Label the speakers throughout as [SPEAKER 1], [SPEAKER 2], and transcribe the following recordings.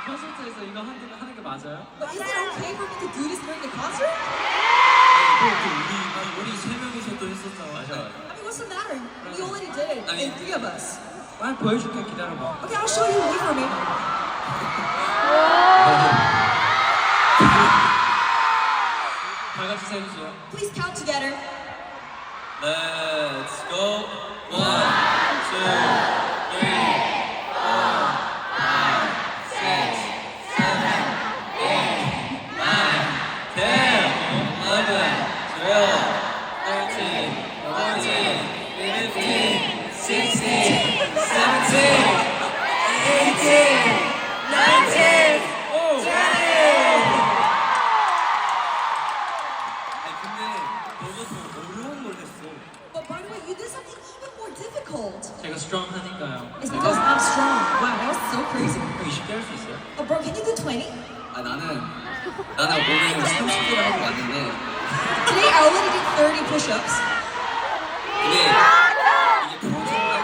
[SPEAKER 1] 콘서트에서 이거 하는 게 맞아요?
[SPEAKER 2] But is it okay for me to do this during the concert?
[SPEAKER 1] 우리 세 명이서 또 했었잖아. 맞아.
[SPEAKER 2] I mean, what's the matter? We already did it.
[SPEAKER 1] 아니,
[SPEAKER 2] And three of us.
[SPEAKER 1] 빨리 보여줄게. 기다려봐.
[SPEAKER 2] Okay, I'll show you. Wait for me.
[SPEAKER 1] 다 같이 세주세요.
[SPEAKER 2] Please count together.
[SPEAKER 1] Let's go. 1, 2, 3, 4, 5, 6, 7, 8, 9, 10, 11, 12, 13, 14, 15, 16, 17, 18, 19, 20. 근데 너가 더 어려운 걸 했어.
[SPEAKER 2] But by the way, you did something even more difficult.
[SPEAKER 1] 제가 strong하니까요.
[SPEAKER 2] It's because I'm strong. Wow, that was so crazy.
[SPEAKER 1] 형 20개 할 수 있어요?
[SPEAKER 2] Oh, bro, can you do 20?
[SPEAKER 3] 아 나는 오늘 30개를 하고 왔는데
[SPEAKER 2] Today I already did 30 push-ups.
[SPEAKER 3] 이게 프로젝트가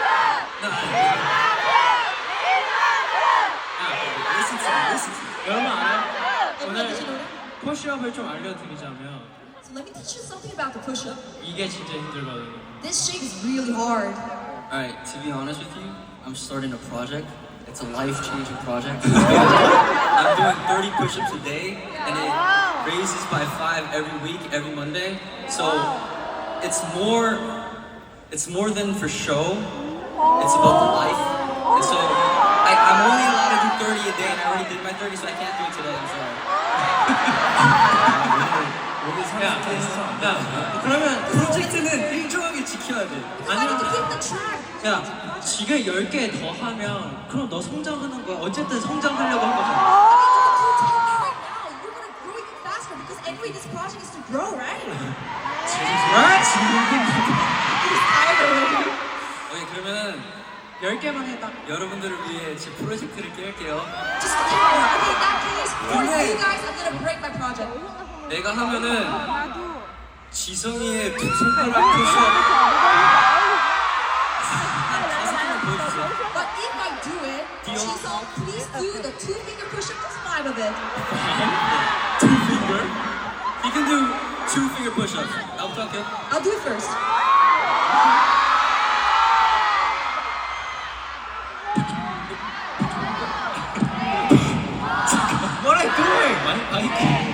[SPEAKER 3] listen to me.
[SPEAKER 1] 여러분 알아요?
[SPEAKER 2] Everyone, did you know
[SPEAKER 1] 오늘
[SPEAKER 2] that?
[SPEAKER 1] 푸시업을 좀 알려드리자면
[SPEAKER 2] So let me teach you something about the push-up.
[SPEAKER 1] 이게 진짜 힘들거든요.
[SPEAKER 2] This shape is really hard.
[SPEAKER 3] Alright, to be honest with you, I'm starting a project. It's a life-changing project. I'm doing 30 push-ups a day, and it raises by 5 every week, every Monday. So it's more than for show. It's about the life. And so I'm only allowed to do 30 a day, and I already did my 30, so I can't do it today. I'm sorry.
[SPEAKER 1] 야, 그러면
[SPEAKER 3] 프로젝트는 일정하게 지켜야 돼.
[SPEAKER 2] Because I need to keep the track.
[SPEAKER 1] 야, 지금 10개 더 하면 그럼 너 성장하는 거야. 어쨌든 성장하려고 한 거잖아.
[SPEAKER 2] I mean, you do 10 right now. You're gonna grow even faster because anyway, this project is to grow, right? He's tired already.
[SPEAKER 3] 오케이, 그러면은
[SPEAKER 1] 10개만 해딱.
[SPEAKER 3] 여러분들을 위해 제 프로젝트를 깰게요.
[SPEAKER 2] Just count. Okay, in that case, for you guys, I'm gonna break my project.
[SPEAKER 3] 내가 하면은 지성이의 두 손가락 푸시업. 다섯 보여주세요.
[SPEAKER 2] But if I do it, Jisung, please do the 2-finger push-up. Just 5 of it.
[SPEAKER 3] 2 finger? He can do 2 finger push-ups. 나부터 할게요.
[SPEAKER 2] I'll do it first.
[SPEAKER 1] What are you doing? 마이크.